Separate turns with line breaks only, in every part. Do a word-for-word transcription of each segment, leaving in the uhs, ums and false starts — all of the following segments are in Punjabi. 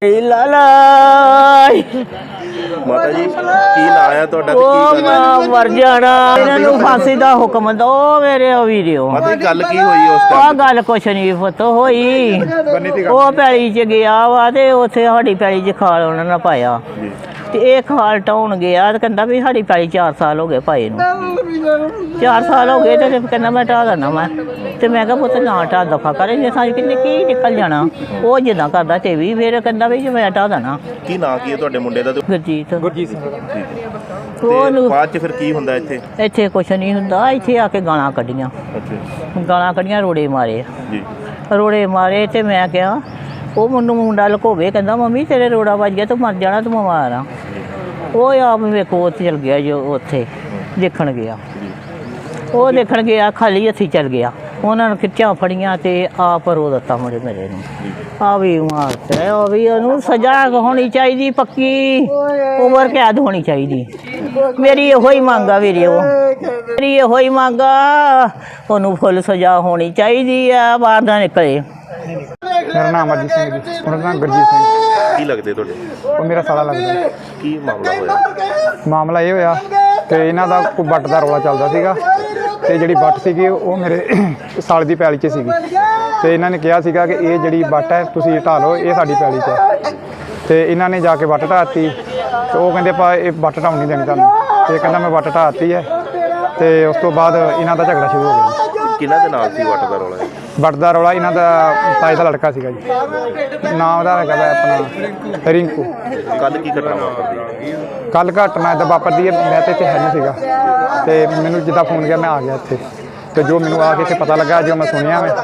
ਲਾਲਾ
ਮਾਤਾ ਜੀ ਕੀ ਨਾਂ ਆ ਤੁਹਾਡਾ ਤੇ
ਉਹ
ਕੀ
ਮੈਂ
ਕਰਨਾ
ਮਰ ਜਾਣਾ ਇਹਨਾਂ ਨੂੰ ਫਾਂਸੀ ਦਾ ਹੁਕਮ ਦੋ ਮੇਰੇ ਵੀਡੀਓ
ਮਾਤਾ ਜੀ ਗੱਲ ਕੀ ਹੋਈ ਉਸ
ਆ
ਟਾਈਮ
ਗੱਲ ਕੁਛ ਨਹੀਂ ਪੁੱਤ ਹੋਈ ਉਹ ਪੈਲੀ ਚ ਗਿਆ ਵਾ ਤੇ ਉੱਥੇ ਸਾਡੀ ਪੈਲੀ ਚ ਖਾਲ ਉਹਨਾਂ ਨੇ ਪਾਇਆ ਤੇ ਇਹ ਖਾਲ ਟਾਉਣ ਗਿਆ ਤੇ ਕਹਿੰਦਾ ਵੀ ਸਾਡੀ ਪੈਲੀ ਚਾਰ ਸਾਲ ਹੋ ਗਏ ਪਾਏ ਨੂੰ ਚਾਰ ਸਾਲ ਹੋ ਗਏ ਤੇ ਕਹਿੰਦਾ ਮੈਂ ਢਾਹ ਦੇਣਾ ਮੈਂ ਤੇ ਮੈਂ ਕਿਹਾ ਪੁੱਤ ਨਾ ਢਾਹ ਦਫਾ ਕਰੇ ਜੇ ਸਾਡੀ ਕਿੰਨੇ ਕੀ ਨਿਕਲ ਜਾਣਾ ਉਹ ਜਿੱਦਾਂ ਕਰਦਾ ਤੇ ਵੀ ਫਿਰ ਕਹਿੰਦਾ ਵੀ ਜੇ ਮੈਂ ਢਾਹ ਦੇਣਾ
ਕੀ ਨਾਂ ਕੀ ਹੈ ਤੁਹਾਡੇ ਮੁੰਡੇ ਦਾ ਤੇ
ਗੁਰਜੀਤ
ਗੁਰਜੀਤ ਸਿੰਘ
ਤੇ
ਉਹਨੂੰ
ਬਾਅਦ ਚ ਫਿਰ ਕੀ ਹੁੰਦਾ ਇੱਥੇ
ਇੱਥੇ ਕੁਛ ਨਹੀਂ ਹੁੰਦਾ ਇੱਥੇ ਆ ਕੇ ਗਾਲਾਂ ਕੱਢੀਆਂ
ਅੱਛਾ
ਗਾਲਾਂ ਕੱਢੀਆਂ ਰੋੜੇ ਮਾਰੇ
ਜੀ
ਰੋੜੇ ਮਾਰੇ ਤੇ ਮੈਂ ਕਿਹਾ ਉਹ ਮੈਨੂੰ ਮੁੰਡਾ ਲਕੋਵੇ ਕਹਿੰਦਾ ਮੰਮੀ ਤੇਰੇ ਰੋੜਾ ਵੱਜ ਗਿਆ ਤੂੰ ਮਰ ਜਾਣਾ ਤੂੰ ਬਿਮਾਰ ਆ ਉਹ ਆਪ ਵੇਖੋ ਉੱਥੇ ਚਲ ਗਿਆ ਜੋ ਉੱਥੇ ਦੇਖਣ ਗਿਆ ਉਹ ਦੇਖਣ ਗਿਆ ਖਾਲੀ ਹੱਥੀ ਚਲ ਗਿਆ ਉਹਨਾਂ ਨੇ ਖਿੱਚਾਂ ਫੜੀਆਂ ਤੇ ਆਪ ਰੋ ਦਿੱਤਾ ਮੁੰਡੇ ਮੇਰੇ ਨੂੰ ਆ ਵੀ ਮਾਰਤੇ ਉਹ ਵੀ ਉਹਨੂੰ ਸਜ਼ਾ ਹੋਣੀ ਚਾਹੀਦੀ ਪੱਕੀ ਉਮਰ ਕੈਦ ਹੋਣੀ ਚਾਹੀਦੀ ਮੇਰੀ ਇਹੋ ਹੀ ਮੰਗ ਆ ਵੀਰੇ ਉਹ ਮੇਰੀ ਇਹੋ ਹੀ ਮੰਗ ਆ ਉਹਨੂੰ ਫੁੱਲ ਸਜ਼ਾ ਹੋਣੀ ਚਾਹੀਦੀ ਆ ਬਾਹਰ ਨਾ ਨਿਕਲੇ।
ਮੇਰਾ ਨਾਮ ਅਜੀਤ ਸਿੰਘ ਜੀ, ਉਹਨਾਂ ਦਾ ਨਾਮ ਗੁਰਜੀਤ ਸਿੰਘ।
ਕੀ ਲੱਗਦੇ ਤੁਹਾਡੇ
ਉਹ ਮੇਰਾ ਸਾਲਾ ਲੱਗਦਾ।
ਕੀ ਮਾਮਲਾ ਹੋਇਆ
ਮਾਮਲਾ ਇਹ ਹੋਇਆ ਕਿ ਇਹਨਾਂ ਦਾ ਕੋਈ ਵੱਟ ਦਾ ਰੌਲਾ ਚੱਲਦਾ ਸੀਗਾ ਤੇ ਜਿਹੜੀ ਵੱਟ ਸੀਗੀ ਉਹ ਮੇਰੇ ਸਾਲ ਦੀ ਪੈਲੀ 'ਚ ਸੀਗੀ ਤੇ ਇਹਨਾਂ ਨੇ ਕਿਹਾ ਸੀਗਾ ਕਿ ਇਹ ਜਿਹੜੀ ਵੱਟ ਹੈ ਤੁਸੀਂ ਢਾਹ ਲਓ, ਇਹ ਸਾਡੀ ਪੈਲੀ 'ਚ ਹੈ ਤੇ ਇਹਨਾਂ ਨੇ ਜਾ ਕੇ ਵੱਟ ਢਾਹਤੀ ਤੇ ਉਹ ਕਹਿੰਦੇ ਆਪਾਂ ਇਹ ਵੱਟ ਢਾਉਣ ਨਹੀਂ ਦੇਣੀ ਤੁਹਾਨੂੰ ਤੇ ਕਹਿੰਦਾ ਮੈਂ ਵੱਟ ਢਾਹਤੀ ਹੈ ਤੇ ਉਸ ਤੋਂ ਬਾਅਦ ਇਹਨਾਂ ਦਾ ਝਗੜਾ ਸ਼ੁਰੂ ਹੋ ਗਿਆ।
ਕਿਹਨਾਂ ਦੇ ਨਾਲ ਸੀ ਵੱਟ ਦਾ ਰੌਲਾ ਇਹ?
ਵੱਟ ਦਾ ਰੌਲਾ ਇਹਨਾਂ ਦਾ ਤਾਏ ਦਾ ਲੜਕਾ ਸੀਗਾ ਜੀ, ਨਾਮ ਉਹਦਾ ਹੈਗਾ ਵਾ ਆਪਣਾ ਰਿੰਕੂ।
ਕੱਲ ਕੀ ਘਟਨਾ ਵਾਪਰਦੀ
ਕੱਲ ਘਟਨਾ ਇੱਦਾਂ ਵਾਪਰਦੀ ਹੈ, ਮੈਂ ਤਾਂ ਇੱਥੇ ਹੈ ਨਹੀਂ ਸੀਗਾ ਤੇ ਮੈਨੂੰ ਜਿੱਦਾਂ ਫੋਨ ਗਿਆ ਮੈਂ ਆ ਗਿਆ ਇੱਥੇ ਤੇ ਜੋ ਮੈਨੂੰ ਆ ਕੇ ਇੱਥੇ ਪਤਾ ਲੱਗਾ ਜੋ ਮੈਂ ਸੁਣਿਆ ਮੈਂ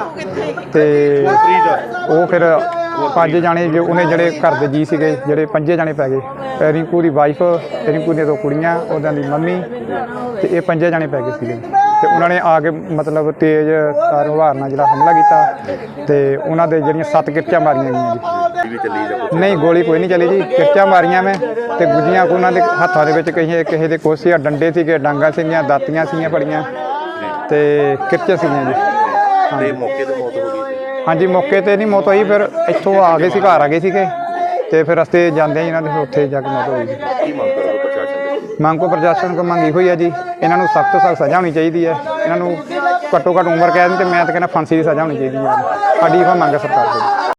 ਤੇ ਉਹ ਫਿਰ ਪੰਜ ਜਾਣੇ ਜੋ ਉਹਨੇ ਜਿਹੜੇ ਘਰ ਦੇ ਜੀ ਸੀਗੇ ਜਿਹੜੇ ਪੰਜੇ ਜਾਣੇ ਪੈ ਗਏ, ਰਿੰਕੂ ਦੀ ਵਾਈਫ, ਰਿੰਕੂ ਦੀਆਂ ਦੋ ਕੁੜੀਆਂ, ਉਹਦਾਂ ਦੀ ਮੰਮੀ ਤੇ ਇਹ ਪੰਜੇ ਜਾਣੇ ਪੈ ਗਏ ਸੀਗੇ ਤੇ ਉਹਨਾਂ ਨੇ ਆ ਕੇ ਮਤਲਬ ਤੇਜ਼ ਤਾਰ ਹਵਾਰ ਨਾਲ ਜਿਹੜਾ ਹਮਲਾ ਕੀਤਾ ਤੇ ਉਹਨਾਂ ਦੇ ਜਿਹੜੀਆਂ ਸੱਤ ਕਿਰਚਾਂ ਮਾਰੀਆਂ ਗਈਆਂ ਜੀ।
ਵੀ ਚੱਲੀ ਜਾਂ ਕੁਛ?
ਨਹੀਂ ਗੋਲੀ ਕੋਈ ਨਹੀਂ ਚੱਲੀ ਜੀ, ਕਿਰਚਾਂ ਮਾਰੀਆਂ ਮੈਂ ਤੇ ਗੁੱਜੀਆਂ ਉਹਨਾਂ ਦੇ ਹੱਥਾਂ ਦੇ ਵਿੱਚ ਕਿਸੇ ਕਿਸੇ ਦੇ ਕੋਸੇ ਡੰਡੇ ਸੀਗੇ, ਡਾਂਗਾਂ ਸੀਗੀਆਂ, ਦਾਤੀਆਂ ਸੀਗੀਆਂ ਫੜੀਆਂ ਤੇ ਕਿਰਚੇ ਸੀਗੀਆਂ ਜੀ।
ਤੇ ਮੌਕੇ ਤੇ ਮੌਤ ਹੋ ਗਈ ਸੀ।
ਹਾਂਜੀ ਮੌਕੇ ਤੇ ਨਹੀਂ ਮੌਤ ਹੋਈ, ਫਿਰ ਇੱਥੋਂ ਆ ਗਏ ਸੀ, ਘਰ ਆ ਗਏ ਸੀਗੇ ਤੇ ਫਿਰ ਰਸਤੇ ਜਾਂਦੇ ਇਹਨਾਂ ਦੇ ਉੱਥੇ ਜਾ ਕੇ ਮੌਤ ਹੋਈ ਜੀ।
ਕੀ ਮੰਗ ਕਰੋਗੇ ਪ੍ਰਸ਼ਾਸਨ ਦੇ?
ਮੰਗ ਕੋ ਪ੍ਰਸ਼ਾਸਨ ਕੋ ਮੰਗੀ ਹੋਈ ਹੈ ਜੀ, ਇਹਨਾਂ ਨੂੰ ਸਖਤ ਤੋਂ ਸਖਤ ਸਜ਼ਾ ਹੋਣੀ ਚਾਹੀਦੀ ਹੈ, ਇਹਨਾਂ ਨੂੰ ਘੱਟੋ ਘੱਟ ਉਮਰ ਕੈਦ ਤੇ ਮੈਂ ਤਾਂ ਕਹਿੰਦਾ ਫਾਂਸੀ ਦੀ ਸਜ਼ਾ ਹੋਣੀ ਚਾਹੀਦੀ ਹੈ। ਸਾਡੀ ਇਹ ਮੰਗ ਹੈ ਸਰਕਾਰ ਕੋਲ।